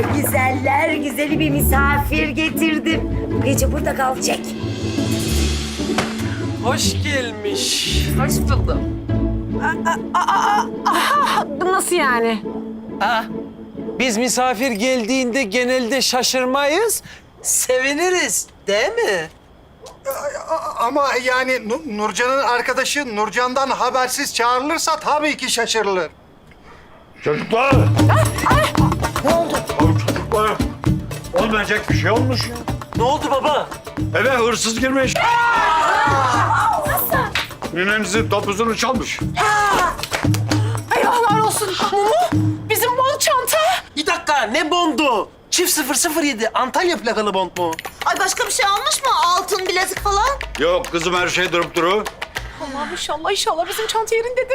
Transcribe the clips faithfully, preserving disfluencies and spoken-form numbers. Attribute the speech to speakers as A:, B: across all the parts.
A: Güzeller güzeli bir misafir getirdim. Bu gece burada kalacak.
B: Hoş gelmiş.
C: Hoş buldum. Nasıl yani?
B: Ha? Biz misafir geldiğinde genelde şaşırmayız, seviniriz değil mi?
D: Ama yani Nu- Nurcan'ın arkadaşı Nurcan'dan habersiz çağrılırsa tabii ki şaşırılır.
E: Çocuklar!
A: Ne oldu?
E: Çocuklar! Olmayacak bir şey olmuş ya.
B: Ne oldu baba?
E: Eve hırsız girmiş.
A: Nasıl?
E: Ninenizin topuzunu çalmış.
C: Eyvahlar olsun. Mumu, bizim bol çanta.
B: Bir dakika, ne bondu? Çift sıfır sıfır yedi Antalya plakalı bond mu?
F: Ay başka bir şey almış mı? Altın bilezik falan?
E: Yok kızım, her şey durup duru.
C: Allah'ım inşallah inşallah bizim çanta yerindedir.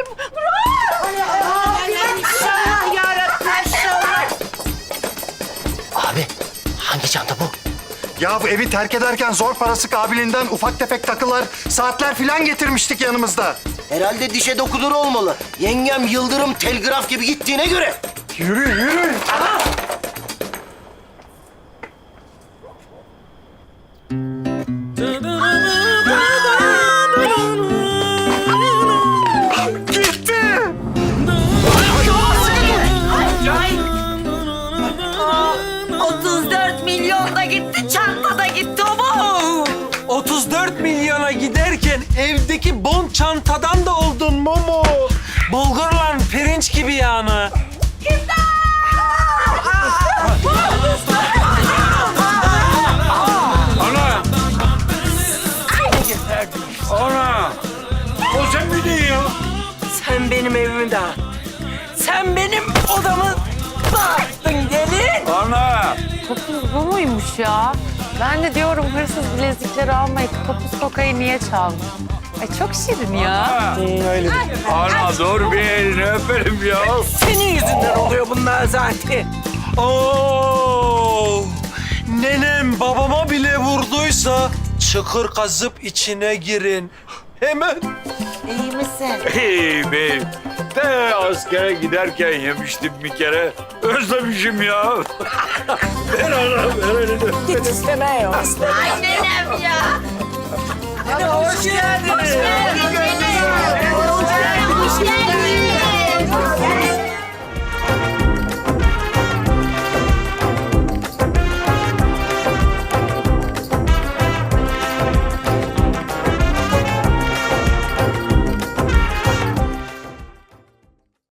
A: İnşallah yarabbim inşallah.
B: Abi, hangi çanta bu?
D: Ya bu evi terk ederken zor parası kabiliğinden ufak tefek takılar, saatler filan getirmiştik yanımızda.
G: Herhalde dişe dokunur olmalı. Yengem Yıldırım telgraf gibi gittiğine göre.
D: Yürü, yürü. Gitti.
A: otuz dört milyon da gitti, çanta da gitti o bu.
B: otuz dört milyona giderken evdeki bond çantadan da oldun Momo. Bulgurla pirinç gibi yani.
E: Ana! Ana! O sen miydin ya?
B: Sen benim evimi dağıttın. Sen benim odamı dağıttın gelin.
E: Ana!
H: Topuz bu muymuş ya? Ben de diyorum hırsız bilezikleri almayıp topuz kokayı niye çalmış? Ay çok şirin ya.
E: Ana dur bir elini öperim ya.
B: Senin yüzünden oluyor bunlar zaten. Oo! Nenem babama bile vurduysa çıkır kazıp içine girin. Hemen.
A: İyi misin?
E: Hey beyim. De askere giderken yemiştim bir kere. Özlemişim ya. ver ana, ver elini.
C: Git isteme ya.
A: Ay nenem ya. Hadi hoş geldin.